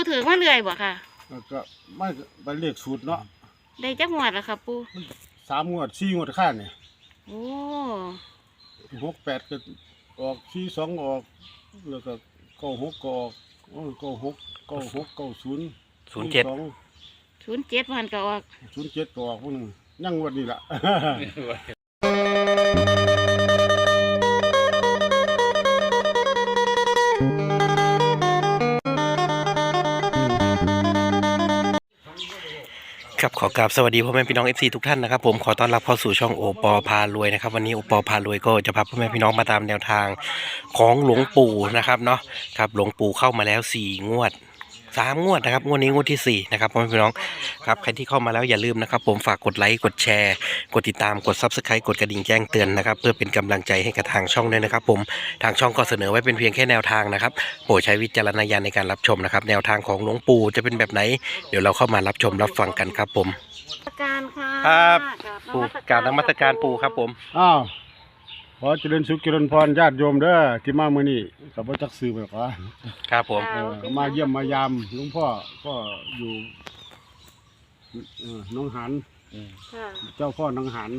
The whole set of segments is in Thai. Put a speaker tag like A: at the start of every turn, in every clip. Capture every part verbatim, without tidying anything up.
A: ถือมาเรื่อยบ่ค่ะ
B: แล้วก็ไม่ไปเลขสูตรเนาะ
A: ได้จักงวดแล้วค่ะปู
B: สามงวดสี่งวดข้างเนี่ย
A: โอ้
B: หกแปดก็ออกสี่สองออกแล้วก็เก้าหกก็ออกเก้าหกเก้าหกเก้าศูนย์
C: ศูนย์เจ็ด
A: ศูนย์เจ็ดวันก็ออก
B: ศูนย์เจ็ดก็ออกพวกนึงยังงวดนี้ล่ะ
C: ครับขอกราบสวัสดีพ่อแม่พี่น้อง เอฟ ซี ทุกท่านนะครับผมขอต้อนรับเข้าสู่ช่องโอปอพารวยนะครับวันนี้โอปอพารวยก็จะพาพ่อแม่พี่น้องมาตามแนวทางของหลวงปู่นะครับเนาะครับหลวงปู่เข้ามาแล้วสี่งวดสามงวดนะครับงวดนี้งวดที่สี่นะครับพ่อแม่พี่น้องครับใครที่เข้ามาแล้วอย่าลืมนะครับผมฝากกดไลค์กดแชร์กดติดตามกด ซับสไครบ์ กดกระดิ่งแจ้งเตือนนะครับเพื่อเป็นกำลังใจให้กับทางช่องด้วยนะครับผมทางช่องก็เสนอไว้เป็นเพียงแค่แนวทางนะครับโปรดใช้วิจารณญาณในการรับชมนะครับแนวทางของหลวงปู่จะเป็นแบบไหนเดี๋ยวเราเข้ามารับชมรับฟังกันครับผม
A: การค่ะ
C: ครับปู่กราบนมัสการปู่ครับผม
B: อ้าวขอเจริญสุขเจริญพรญาติโยมเด้อที่มาเมื่อนี้กับพระจักซื้อไปขอ
C: ครับผม
B: มาเยี่ยมมายามหลวงพ่อก็อยู่น้องหันเจ้าพ่อน้องหัน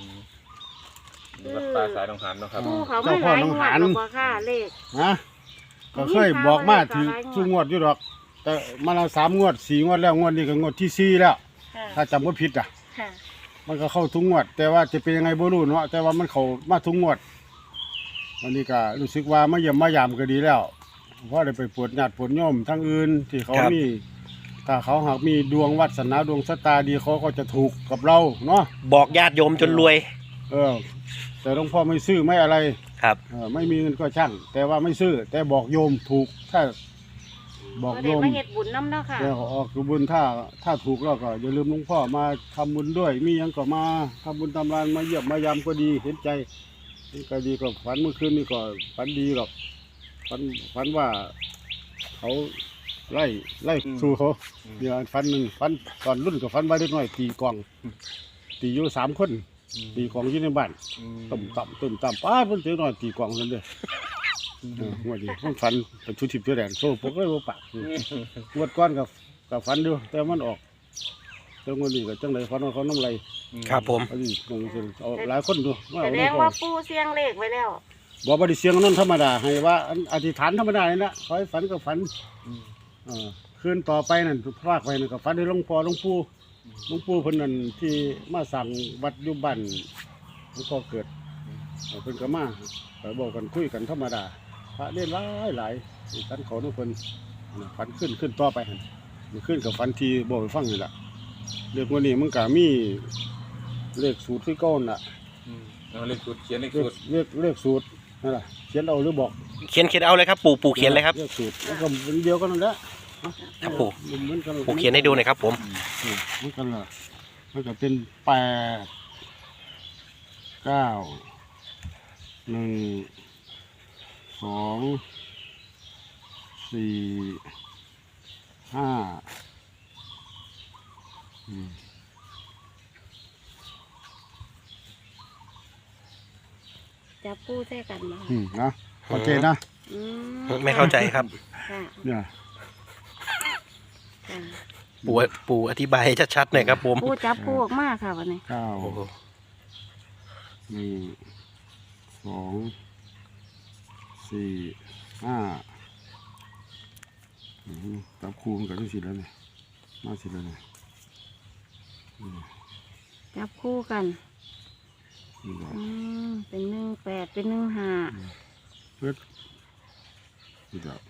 D: วัดป่าสายน้องหันเนาะครับ
B: เจ้าพ่อน้องหันนะก็เคยบอกมาถือชูงวดอยู่ดอกแต่มาแล้วสามงวดสี่งวดแล้วงวดนี้ก็งวดที่สี่แล้วถ้าจำว่าผิดอ่ะมันก็เข้าทุกงวดแต่ว่าจะเป็นยังไงบ่รู้เนาะแต่ว่ามันเข้ามาทุกงวดวันนี้ก็รู้สึกว่ามาเยี่ยมมายามก็ดีแล้วเพราะได้ไปปวดญาติปวดโยมทั้งอื่นที่เขามีถ้าเขาหากมีดวงวาสนาดวงชะตาดีเขาก็จะถูกกับเราเนาะ
C: บอกญาติโยมจนรวย
B: เออแต่หลวงพ่อไม่ซื้อไม่อะไร
C: ครับ
B: เออไม่มีเงินก็ช่างแต่ว่าไม่ซื้อแต่บอกโยมถูกถ้าบอกโยม
A: มาเฮ็ดบุญน้ำเนาะค่ะ
B: แล้วออกบุญถ้าถ้าถูกแล้วก็อย่าลืมหลวงพ่อมาทำบุญด้วยมียังก็มาทำบุญทำรานมาเยี่ยมมายามก็ดีเห็นใจก็ดีก็ฝันเมื่อคืนนี่ก็ฝันดีหรอกฝันฝันว่าเขาไล่ไล่สู้เขาเดี๋ยวฝันหนึ่งฝันตอนรุ่นกับฝันไว้เล็กน้อยตีกองตีอยู่สามคนตีกองอยู่ในบ้านตุ่มต่ำตุ่มต่ำป้าเพิ่นเจอหน่อยตีกองนั่นเด้อหัวดีมันฝันเป็นชุดทิพย์ชุดแดงโซ่พวกเลยว่าปากงวดก้อนกับกับฝันดูแต่มันออกเจ้าเงินดีกับจังไรฝันว่าเขาน้ำไร
C: ครับผม
B: เอาหลายคนดู
A: แสดงว่าปูเสียงเลขไว้แล้ว
B: บอกว่าดิเสียงนั่นธรรมดาให้ว่าอธิษฐานธรรมดาเลยนะคอยฝันกับฝันคืนต่อไปนั่นพลากไปนั่นกับฝันด้วยหลวงพ่อหลวงปู่หลวงปู่เพิ่นนั่นที่มาสั่งวัดยุบันหลวงพ่อเกิดเพิ่นก็มาไปบอกกันคุยกันธรรมดาพระเล่นหลายหลายฝันเขาทุกคนฝันขึ้นขึ้นต่อไปหันมันขึ้นกับฝันที่บอกไปฟังนี่แหละเรื่องวันนี้มันก็มีเลขสูตรที่ก้อนน่ะ
D: เลขสูตรเขียนเลขสูตร
B: เลขเลขสูตรนั่นแหละเขียนเอาหรือบอก
C: เขียนเขียนเอาเลยครับปู่ปู่เขียนเลยครับ
B: เลขสูตรแล้วก็เป็นเดียวกันนั่นแหละ
C: ครับปู่ปู่เขียนให้ดูหน่อยครับผม
B: มันกันละมันก็เป็นแปดเก้าหนึ่งสองสี่ห้า
A: จะพูดแท้กันนะ
B: นะโอเคนะ
C: ไม่เข้าใจครับ
B: เนี่ย
C: ปู่ปู่อธิบายให้ชัดๆหน่อยครับผม
A: ปู่จับพูออกมากค่ะวันนี้
B: เก้าหนึ่งสองสี่ห้าจับคู่มันก็ได้สิแล้วเนี่ยมาสิแล้วเนี่ย
A: จับคู่กันเป็นหนึ่งแปดเป็นหนึ่งห้า
B: เพื่อนี่ครับ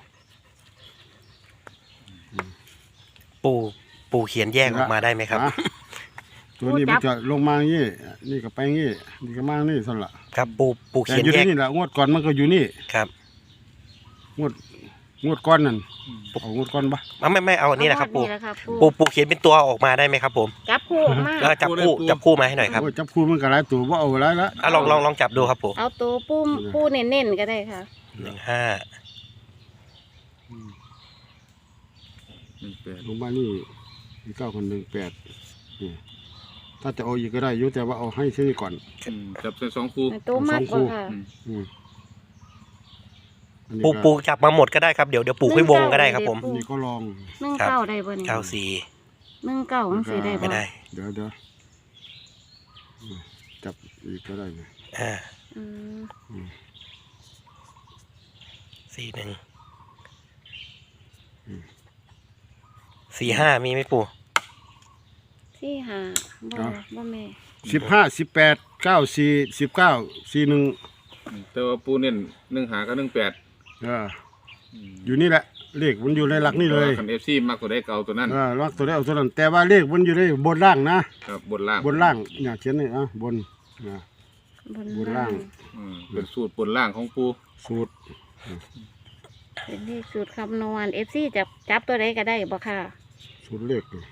C: ปู่ปู่เขียนแยกออกมาได้ไหมครับ
B: ตัวนี้มันจะลงมาอย่างนี้นี่ก็ไปอย่างนี้นี่ก็มาอย่างนี้สั่นละ
C: ครับปู่ปู่เขียนแยก
B: นี่แหละงวดก่อนมันก็อยู่นี่
C: ครับ
B: งวดงวดก้อนนั่นเอางวดก้อนปะ
C: ไม่ไม่เอาอันนี้แหละครับปู่ปู่ปู่เขียนเป็นตัวออกมาได้ไหมครับผม
A: จับคู่ออกมา
C: แล้วจับคู่จับคู่มาให้หน่อยครับ
B: จับคู่มันก็หลายตัวว่าเอาหลายละ
C: ลองลองลองจับดูครับปู่
A: เอาตัวปูปูเน้นๆก็ได้ค่ะ
C: หนึ่งห้า
B: ลงมานี่เก้าคนหนึ่งแปดถ้าจะเอาอีกก็ได้ยุ่แต่ว่าเอาให้ซื้อก่อน
D: จับใส่สองคู่
A: ตัวมากกว่าค่ะ
B: อันนี้
C: ปู
B: ก็
C: ปูจับมาหมดก็ได้ครับเดี๋ยวเดี๋ยวปูให้วงก็ได้ครับผม
B: อันนี้ก็ลอง
A: หนึ่ง
C: ครับ
A: เก้าได้บ่เนี่ย
C: เก้าสี่
A: หนึ่งเก้ามันสิได้บ่
C: ไม่ได้
B: เดี๋ยวเดี๋ยวอืมจับอีกก็ได้นะ
C: อ่า
A: อืม
B: อืม
C: สี่หนึ่ง
B: อืม
C: สี่ห้ามีไหมปู
A: สี่ห้าบ่บ่แม่
B: สิบห้าสิบแปดเก้าสี่สิบเก้าสี่หนึ่ง
D: แต่ว่าปูเน้นหนึ่งหากับหนึ่งแปด
B: อ่าอยู่นี่แหละเลขมันอยู่ในหลักนี่เลย
D: คันเอฟซีมากกว่าได้เก่าตัวนั้น
B: อ่าหลักตัวได้เอาตัวนั้นแต่ว่าเลขมันอยู่ในบนล่างนะครับ
D: บนล่าง
B: บนล่างเนี่ยเขียนนี่อ่ะบนอ่า
A: บน
B: บนล่าง
D: อืมเป็นสูตรบนล่างของปู
B: สูตร
A: เป็นเลขสูตรคำนวณ เอฟ ซี จับจับตัวใดก็ได้บ่ค่ะ
B: สูตรเลขนี่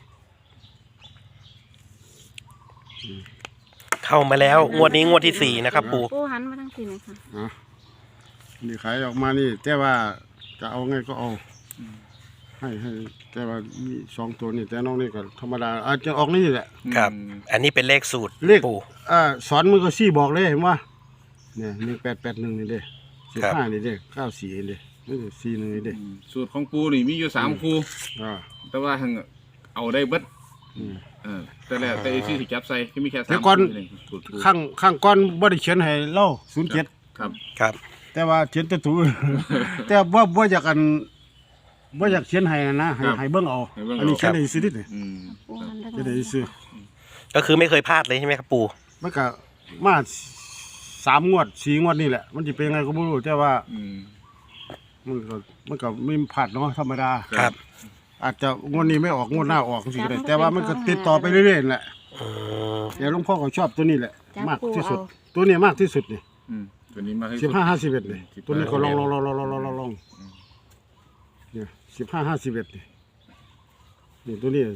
C: เข้ามาแล้วงวดนี้งวดที่สี่นะครับปู
A: ปูหันมาทั้งสี่หน่อยค่ะ
B: อ่ะนี่ขายออกมานี่ แต่ว่าจะเอาไงก็เอาให้ให้แต่ว่ามีสองตัวนี่แต่น้องนี่ก็ธรรมดาอาจจะออกนี่แหละ
C: ครับ อันนี้เป็นเลขสูตร
B: เลข
C: ปู
B: อ่าสอนมือก็ซี่บอกเลยเห็นว่าเนี่ยหนึ่งแปดแปดหนึ่งนี่เด้สิบ
C: ครับ
B: ห้านี่เด้เก้าสี่นี่เด้นี่สี่หนึ่งนี่เด้
D: อืมสูตรของปูนี่มีอยู่สามคู่
B: อ่า
D: แต่ว่าหังเอาได้เบิด
B: อืม
D: เออแต่แล้วแต่เอฟซีสิจับใส่ก็มีแค่สาม
B: แต่ก่อน
D: คู่เองสูตรปู
B: ข้างข้างก้อนบ่ได้เขียนให้เล่าศูนย์เจ็ด
D: ครับ
C: ครับ
B: แต่ว่าเขียนแต่ตัว แต่ว่าบ่อยากอันบ่อยากเขียนให้นะให้ให้เบิ่งเอาอันนี้เขียนให้ซื้อนิดนี่
D: อืม
A: ปูหันทั้ง
B: เขียนให้ซื้อ
C: ก็คือไม่เคยพลาดเลยใช่ไหมครับปู
B: มันก็มาสามงวดสี่งวดนี่แหละ มันจะเป็นไงก็ไม่รู้แต่ว่า
D: อืม
B: มันก็มันก็ไม่ผาดเนาะธรรมดา
C: ครับ
B: อาจจะงวดนี้ไม่ออกงวดหน้าออกสิก็ได้แต่ว่ามันก็ติดต่อไปเรื่อยๆนั่นแหละ
C: อืม
B: แต่หลวงพ่อก็ชอบตัวนี้แหละ
A: จับ
B: มาก
A: ปู
B: ที่สุ
A: เอา
B: ด ตัวนี้มากที่สุดนี่
D: อืมตัวนี้มาให้
B: สิบห้าห้าสิบเอ็ดนี่
D: สิบ
B: ตัวนี้ก็ลองล
D: ห้า
B: องลองลองลองลองลองลองเนี่ยสิบห้าห้าสิบเอ็ดนี่นี่ตัวนี้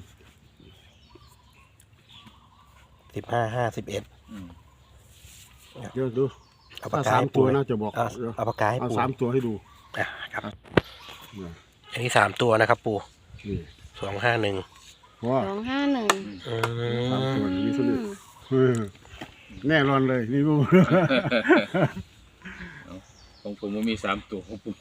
C: สิบห้าห้าสิบเอ็ด
D: อืม
B: เดี๋ยวดู
C: เอาปา
B: ถ้าก
C: กา
B: สาม
C: ให้
B: ตั
C: ปู
B: ว
C: นะ
B: นะจะบอก
C: เอา
B: เดี๋ยว
C: เอาปากกาให้
B: เอา
C: ปู
B: สามตัวให้ดู
C: อ่ะครับ
B: เนี่ย
C: อันนี้สามตัวนะครับปู
B: นี่
C: สองห้าหนึ่ง
B: เพราะว่า
A: สองห้าหนึ่ง
C: อื
B: สามตัว
C: ม
B: นี่มีตัวนี้เออแน่นอนเลยนี่ รู้
D: ของผมมันมีสามตัวของปู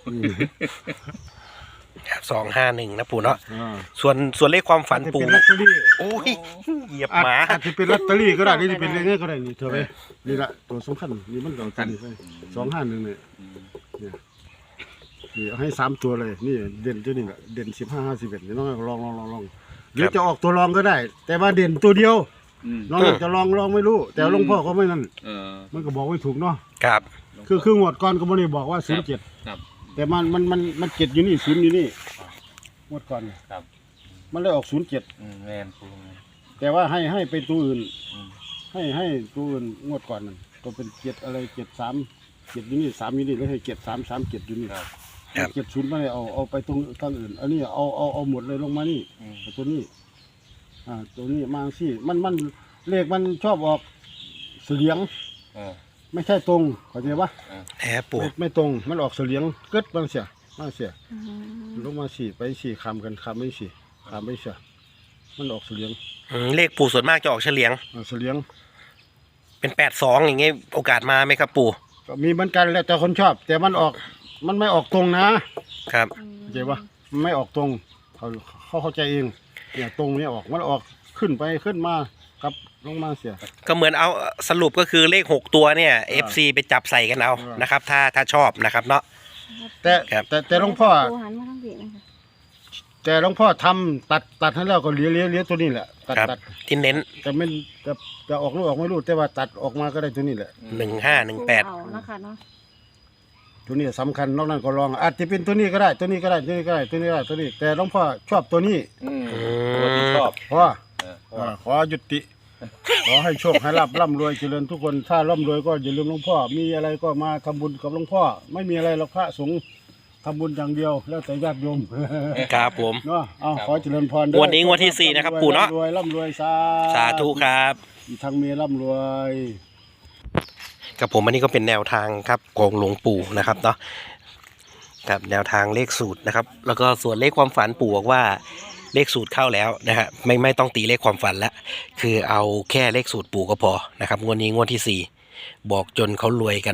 C: สองห้าหนึ่งนะปูเนาะ
B: อ่า
C: ส่วนส่วนเลขความฝัน
B: อาจจะ
C: ปู
B: เป็นลอตเตอรี่
C: โอ้ยเหยียบ
B: อาจ
C: หมา
B: อาจจะเป็นลอตเตอรี่ก็ได้นี่จะเป็นเลขนี้ก็ได้นี่เธอไปนี่ละตัวสำคัญนี่มันก็ตัวนี้ไปสองห้าหนึ่งเนี่ยเนี่ยนี่เอาให้สามตัวเลยนี่เด่นตัวนี้แหละเด่นสิบห้าห้าสิบเอ็ดนี่น้องลองลองลองลองหรือจะออกตัวรองก็ได้ แต่ว่าเด่นตัวเดียว
D: อืม
B: น้องจะลองลองไม่รู้ แต่หลวงพ่อก็ไม่นั่น
D: เออ
B: มันก็บอกไว้ถูกเนาะ
C: ครับ
B: คือคืองวดก่อนก็ไม่ได้บอกว่าศูนย์เจ็ด
D: ครับ
B: แต่มันมันมันมันเจ็ดอยู่นี่ศูนย์อยู่นี่งวดก่อน
D: ครับ
B: มันเลยออกศูนย์เจ็ด
D: อืมแมนปู
B: แต่ว่าให้ให้เป็นตัวอื่น
D: อืม
B: ให้ให้ตัวอื่นงวดก่อนนั่นก็เป็นเจ็ดอะไรเจ็ดสามเจ็ดอยู่นี่สามอยู่นี่แล้วให้เจ็ดสามสามเจ็ดอยู่นี่
D: ครับ
B: เจ็ดศูนย์ไม่ได้เอาเอาไปตรงทางอื่นอันนี้เอาเอาเอาหมดเลยลงมานี่
D: อืม
B: เอาตัวนี้อ่าตัวนี้มาสิมันมันเลขมันชอบออกเสียง
D: เออ
B: ไม่ใช่ตรงเข้าใจปะ
C: แอบปู
B: ไม่ไม่ตรงมันออกเสียงเกิดบางเสียบางเสีย
A: อืม
B: ลงมาสี่ไปสี่คำกันคำไม่สี่คำไม่เสียมันออกเสียง
C: อืมเลขปูส่วนมากจะออกเฉลียง
B: อ่าเสียง
C: เป็นแปดสองอย่างเงี้ยโอกาสมาไหมครับปู
B: ก็มีเหมือนกันแล้วแต่คนชอบ แต่มันออกมันไม่ออกตรงนะครับ เข้าใจปะมันไม่ออกตรงเขาเขาเข้าใจเองเนี่ยตรงเนี้ออกมันออกขึ้นไปขึ้นมากับลงมาเสีย
C: ก็เหมือนเอาสรุปก็คือเลขหกตัวเนี่ย
B: อ่า
C: เอฟซีไปจับใส่กันเอา
B: อ่าน
C: นะครับ ถ้าถ้าชอบนะครับเนาะ
B: แต่
C: ครับ
B: แต่แต่หลวงพ่อ
A: ปูหันมาทั้งสี่นะคะ
B: แต่หลวงพ่อทำตัดตัดให้แล้วก็เลี้ยเลี้ยเลี้ยตัวนี้แหละตัด
C: ครับ
B: ตัด
C: ที่เน้น
B: แต่ไม่จะจะออกหรือออกไม่รู้แต่ว่าตัดออกมาก็ได้ตัวนี้แหละ
C: หนึ่งห้าหนึ่งแปด
A: เอานะคะเนาะ
B: ตัวนี้สำคัญนอกนั้นก็ลองอาจจะเป็นตัวนี้ก็ได้ตัวนี้ก็ได้ตัวนี้ก็ได้ตัวนี้ก็ได้ตัวนี้ แต่หลวงพ่อชอบตัวนี้
D: อืมตัวที่ชอบ
B: เพราะว่า
D: เออเพราะ
B: อ่า
D: ว่า
B: ขอยุติ ขอให้โชคให้ลาบร่ำรวยเจริญทุกคนถ้าร่ำรวยก็อย่าลืมหลวงพ่อมีอะไรก็มาทำบุญกับหลวงพ่อไม่มีอะไรหรอกพระสงฆ์ทำบุญอย่างเดียวแล้วแต่ญาติโยม
C: ครับผม
B: เนาะเอาขอเจริญพรเด้
C: งวดนี้งวดที่สี่นะครับปู่เนาะ
B: ร่ำรวยร่ำรวยสา
C: สาธุครับ
B: อีกทั้งมีร่ำรวย
C: กับผมอันนี้ก็เป็นแนวทางครับของหลวงปู่นะครับเนาะกับแนวทางเลขสูตรนะครับ แล้วก็ส่วนเลขความฝันปู่บอกว่าเลขสูตรเข้าแล้วนะฮะไม่ไม่ต้องตีเลขความฝันละคือเอาแค่เลขสูตรปู่ก็พอนะครับงวดนี้งวดที่สี่บอกจนเขารวยกัน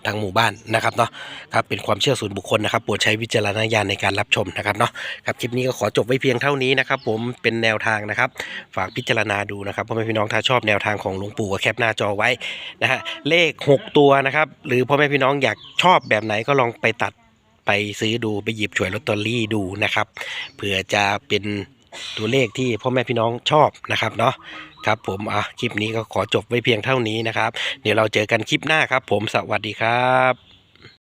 C: ทางหมู่บ้านนะครับเนาะครับเป็นความเชื่อส่วนบุคคลนะครับโปรดใช้วิจารณญาณในการรับชมนะครับเนาะครับคลิปนี้ก็ขอจบไว้เพียงเท่านี้นะครับผมเป็นแนวทางนะครับฝากพิจารณาดูนะครับพ่อแม่พี่น้องถ้าชอบแนวทางของหลวงปู่ก็แคปหน้าจอไว้นะฮะเลขหกตัวนะครับหรือพ่อแม่พี่น้องอยากชอบแบบไหนก็ลองไปตัดไปซื้อดูไปหยิบฉวยลอตเตอรี่ดูนะครับเผื่อจะเป็นตัวเลขที่พ่อแม่พี่น้องชอบนะครับเนาะครับผมอ่ะคลิปนี้ก็ขอจบไว้เพียงเท่านี้นะครับเดี๋ยวเราเจอกันคลิปหน้าครับผมสวัสดีครับ